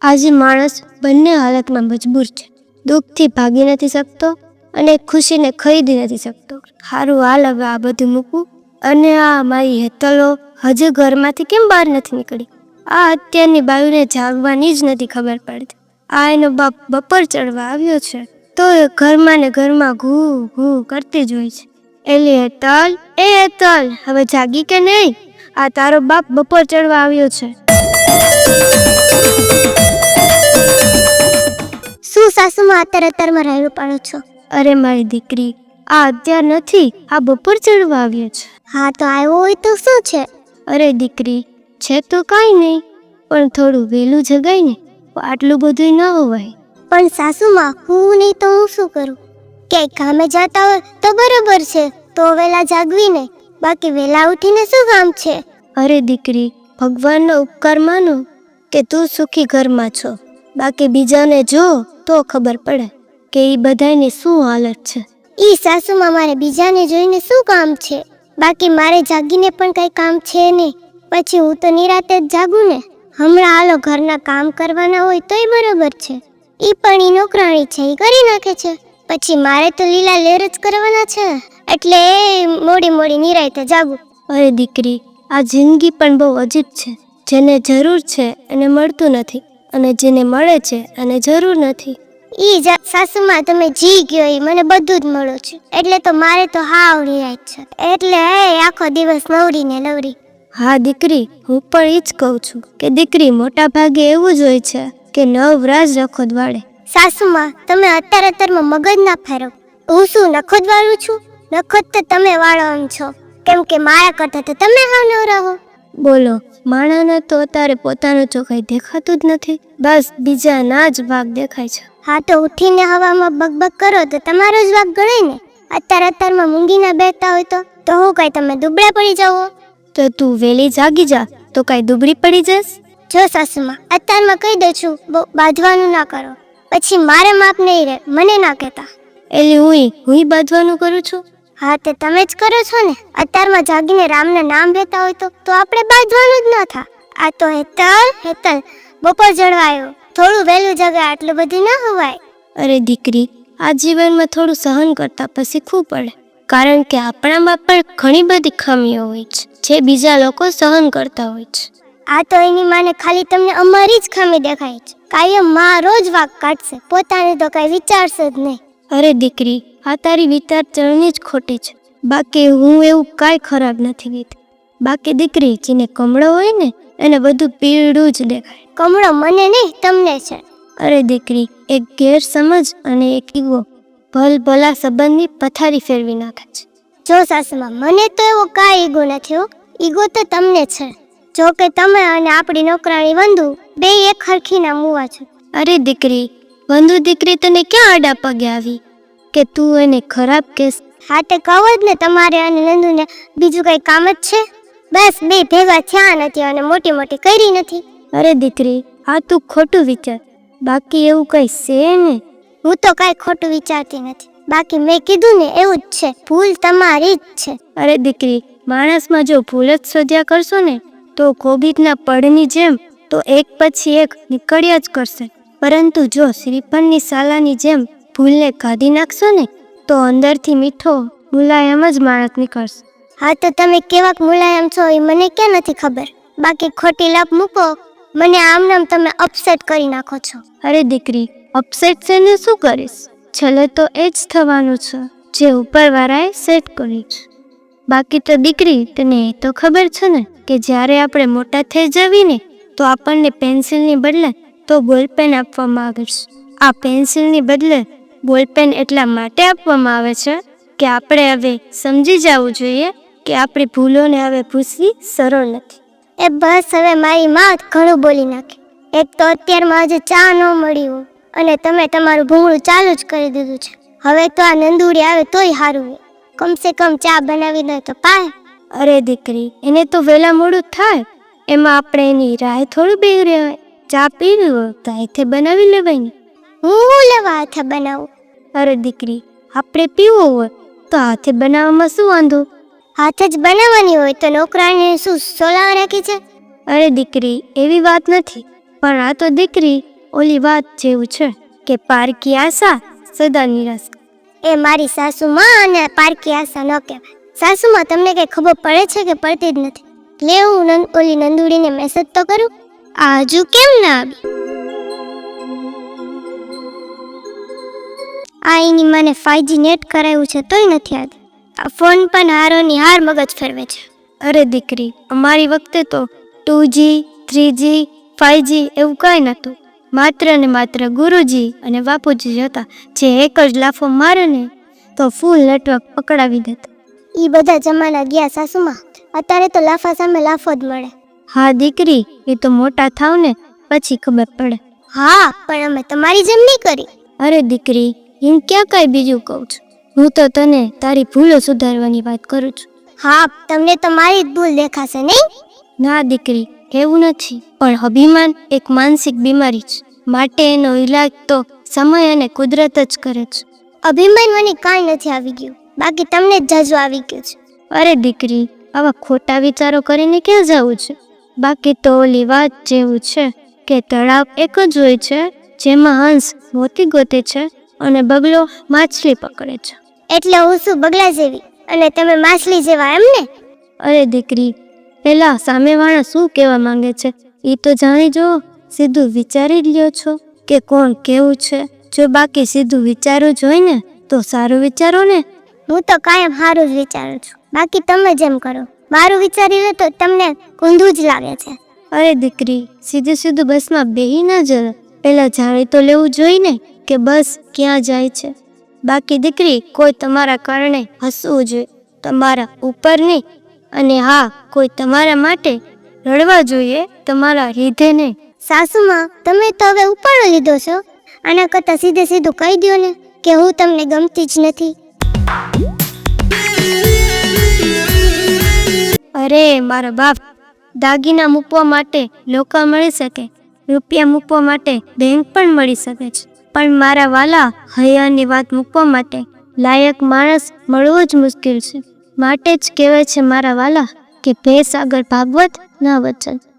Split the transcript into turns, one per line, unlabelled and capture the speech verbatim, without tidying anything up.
આજે માણસ બંને હાલતમાં મજબૂર છે. દુઃખથી ભાગી નથી શકતો અને ખુશીને ખરીદી નથી શકતો. સારું, હાલ હવે આ બધું મૂકવું. અને આ મારી હેતલો હજુ ઘરમાંથી કેમ બહાર નથી નીકળી? આ અત્યારની બાયુને જાગવાની જ નથી ખબર પડતી. આ એનો બાપ બપોર ચડવા આવ્યો છે તો એ ઘરમાં ને ઘરમાં ઘૂ ઘૂ કરતી જ હોય છે. એલી હેતલ, એ હેતલ, હવે જાગી કે નહીં? આ તારો બાપ બપોર ચડવા આવ્યો છે.
શું સાસુમાં અત્યારે અત્યારમાં રહેલું પાડો છો?
અરે મારી દીકરી, આ અત્યાર નથી, આ બપોર ચડવા આવ્યો છે.
હા તો આવ્યો હોય તો શું છે?
અરે દીકરી, છે તો કાંઈ નહીં, પણ થોડું વહેલું જગાય ને, આટલું બધું ન હોવાય.
પણ સાસુમાં હું નહીં તો હું શું કરું? ક્યાંય કામે જતા હોય તો બરોબર છે, તો વહેલા જાગવી ને, બાકી વહેલા ઉઠીને શું કામ છે?
અરે દીકરી, ભગવાનનો ઉપકાર માનો કે તું સુખી ઘરમાં છો, બાકી બીજાને જો તો ખબર પડે કે એ બધાની શું હાલત છે.
ઈ સાસુમાં મારે બીજાને જોઈને શું કામ છે? બાકી મારે જાગીને પણ કઈ કામ છે નહીં. પછી હું તો નિરાતે જ જાગું ને. હમણાં હાલો ઘરના કામ કરવાના હોય તોય બરોબર છે, ઈ પણ ઈ નોકરાણી છે, ઈ કરી નાખે છે. પછી મારે તો લીલા લેર જ કરવાના છે, એટલે મોડી મોડી નિરાતે જાગું.
અરે દીકરી, આ જિંદગી પણ બહુ અજીબ છે. જેને જરૂર છે એને મળતું નથી, અને જેને મળે છે એને જરૂર નથી.
ઈ સાસુમાં તમે જી ગયો ઈ મને બધું જ મળો છે, એટલે તો મારે તો હાવ નિરાત છે, એટલે એ આખો દિવસ નવરી ને નવરી.
હા દીકરી, હું પણ એ જ કહું છું કે દીકરી મોટા ભાગે એવું જ હોય છે કે નવરાજ નખો વાળે.
સાસુમાં તમે અત્યારે અત્યારમાં મગજ ના ફેરવ. હું શું નખો જ વાળું છું? નખો તો તમે વાળો એમ છો, કેમ કે મારા કરતા તો તમે હાવ નવરા હો.
બોલો, માણાને તો અત્યારે પોતાનું ચોખાઈ દેખાતું જ નથી, બસ બીજાના જ ભાગ દેખાય છે.
હા તો ઉઠીને હવામાં બકબક કરો તો તમારો જ વાગ ગણાય ને. અત્યારે અત્યારમાં મૂંગીના બેઠા હોય તો તો હું કઈ તમે દુબળા પડી જાઓ?
તો તું વેલી જાગી જા તો કઈ દુબળી પડી જશ?
જો સાસુમાં, અત્યારમાં કહી દઉં છું, બહુ બાંધવાનું ના કરો, પછી મારે માપ નહીં રહે, મને ના કહેતા.
એટલે હું હું બાંધવાનું કરું છું?
હા તે તમે જ કરો છો ને. અત્યારમાં જાગીને રામના નામ લેતા હોય તો તો આપણે બાંધવાનું જ ન થા. આ તો હેતલ હેતલ બપોર જળવાયો, થોડું વહેલું જગાય, આટલું બધું ના હોવાય.
અરે દીકરી, આ જીવનમાં થોડું સહન કરતા પછી શીખવું પડે, કારણ કે આપણામાં પણ ઘણી બધી ખામીઓ હોય છે જે બીજા લોકો સહન કરતા હોય છે.
આ તો એની માને ખાલી તમને અમારી જ ખામી દેખાય છે, કાયમ મારો જ વાક કાઢશે, પોતાને તો કઈ વિચારશે જ નહીં.
અરે દીકરી, આ તારી વિચારસરણી જ ખોટી છે, બાકી હું એવું કાંઈ ખરાબ નથી કીધું. બાકી દીકરી, જેને કમળો હોય ને એને બધું પીળું જ દેખાય.
કમળો મને નહીં, તમને છે.
અરે દીકરી, એક ગેરસમજ અને એક ઈગો ભલ ભલા સંબંધની પથારી ફેરવી નાખે છે.
જો સાસુમાં, મને તો એવો કાંઈ ઈગો નથી હો, ઈગો તો તમને છે. જો કે તમે અને આપણી નોકરાણી વંદુ બે એક હરખીના મુવા છે.
અરે દીકરી, વંદુ દીકરી તને ક્યાં આડા પગે આવી કે તું એને ખરાબ કહેશ?
હા તે કહો જ ને, તમારે અને નંદુને બીજું કઈ કામ જ છે? બસ બે ભેગા થયા નથી અને મોટી મોટી કરી નથી.
અરે દીકરી, આ તું ખોટું વિચાર, બાકી એવું કઈ છે ને.
હું તો કઈ ખોટું વિચારતી નથી, બાકી મેં કીધું ને એવું જ છે, ભૂલ તમારી જ છે.
અરે દીકરી, માણસમાં જો ભૂલ જ શોધ્યા કરશો ને તો કોબીજના પડની જેમ તો એક પછી એક નીકળ્યા જ કરશે, પરંતુ જો શ્રીફળની સાલાની જેમ ભૂલને કાઢી નાખશો ને તો અંદરથી મીઠો મુલાયમ જ માણસ નીકળશે.
હા તો તમે કેવાક મુલાયમ છો એ મને ક્યાં નથી ખબર, બાકી ખોટી લપ મૂકો, મને આમ નામ તમે અપસેટ કરી નાખો છો.
અરે દીકરી, અપસેટ છે ને શું કરીશ? છેલ્લે તો એ જ થવાનું છે જે ઉપરવાળાએ સેટ કર્યું છે. બાકી તો દીકરી, તને એ તો ખબર છે ને કે જ્યારે આપણે મોટા થઈ જવી ને તો આપણને પેન્સિલની બદલે તો બોલપેન આપવામાં આવે છે. આ પેન્સિલની બદલે બોલપેન એટલા માટે આપવામાં આવે છે કે આપણે હવે સમજી જવું જોઈએ કે આપણી ભૂલોને હવે ભૂસવી સરળ નથી.
એ બસ હવે મારી માં ઘણું બોલી નાખે. એક તો અત્યારમાં આજે ચા ન મળી હોય અને તમે તમારું ભૂંગળું ચાલુ જ કરી દીધું છે. હવે તો આ નંદુડી આવે તોય સારું હોય, કમસે કમ ચા બનાવી દે તો પાય.
અરે દીકરી, એને તો વહેલા મોડું થાય, એમાં આપણે એની રાહ થોડું બે રહેવાય. ચા પીવી હોય તો હાથે બનાવી લેવાય ને.
હું લેવા હાથે બનાવું?
અરે દીકરી, આપણે પીવું હોય તો હાથે બનાવવામાં શું વાંધો?
હાથે જ બનાવવાની હોય તો નોકરાણીને શું સોલાવા રાખી છે?
અરે દીકરી, એવી વાત નથી, પણ આ તો દીકરી ઓલી વાત જેવું છે કે પારકી આશા સદા નિરાશ.
એ મારી સાસુમાં અને પારકી આશા ન કહેવાય. સાસુમાં તમને કઈ ખબર પડે છે કે પડતી જ નથી? લે હું નંદ ઓલી નંદુડીને મેસેજ તો કરું. આ હજુ કેમ ના આવી? આ એની મને ફાઈવજી નેટ કરાવ્યું છે તોય નથી આવતી. આ ફોન પણ હારોની હાર મગજ ફેરવે છે.
અરે દીકરી, અમારી વખતે તો two G three G five G એવું કાંઈ નહોતું. માત્ર ને માત્ર ગુરુજી અને બાપુજી જ હતા, જે એક જ લાફો મારે ને તો ફૂલ નેટવર્ક પકડાવી દેતા.
ઈ બધા જમાના ગયા સાસુમાં. અત્યારે તો લાફા સામે લાફો જ મળે.
હા દીકરી, એ તો મોટા થાવ ને પછી ખબર પડે.
હા, પણ અમે તમારી જેમ નહીં કરી.
અરે દીકરી, એમ ક્યાં કાંઈ બીજું કહું છું. હું તો તને તારી ભૂલો સુધારવાની વાત કરું છું.
હા, તમને તો મારી જ ભૂલ દેખાશે નહીં?
ના દીકરી, એવું નથી, પણ અભિમાન એક માનસિક બીમારી છે, માટે એનો ઈલાજ તો સમય અને કુદરત જ કરે છે.
અભિમાન મને કાંઈ નથી આવી ગયું, બાકી તમને જ જાજુ આવી ગયું છે.
અરે દીકરી, આવા ખોટા વિચારો કરીને ક્યાં જવું છે? બાકી તો ઓલી વાત જેવું છે કે તળાવ એક જ હોય છે, જેમાં હંસ મોતી ગોતે છે અને બગલો માછલી પકડે છે.
એટલે હું શું બગલા જેવી અને તમે માછલી જેવા એમ ને?
અરે દીકરી, પેલા સામેવાળા શું કહેવા માંગે છે એ તો જાણી જો. સીધું વિચારી જ લ્યો છો કે કોણ કેવું છે. જો બાકી સીધું વિચારવું જ હોય ને તો સારું વિચારો ને.
હું તો કાયમ સારું જ વિચારું છું, બાકી તમે જેમ કરો. મારું વિચારી લો તો તમને કુંધું જ લાગે છે.
અરે દીકરી, સીધું સીધું બસમાં બેહી ના જરા. પેલા જાણી તો લેવું જોઈએ ને કે બસ ક્યાં જાય છે. બાકી દીકરી, કોઈ તમારા કારણે હસવું જોઈએ, તમારા ઉપર નહીં. અને હા, કોઈ તમારા માટે રડવા જોઈએ, તમારા લીધે નહીં.
સાસુમાં, તમે તો હવે ઉપાડો લીધો છો. આના કરતાં સીધે સીધું કહી દો ને કે હું તમને ગમતી જ નથી.
અરે મારા બાપ, દાગીના મૂકવા માટે લોકા મળી શકે, રૂપિયા મૂકવા માટે બેંક પણ મળી શકે છે, પણ મારા વાલા હૈયાની વાત મૂકવા માટે લાયક માણસ મળવો જ મુશ્કેલ છે. માટે જ કહેવાય છે મારા વાલા કે ભેંસ આગળ ભાગવત ના વચન.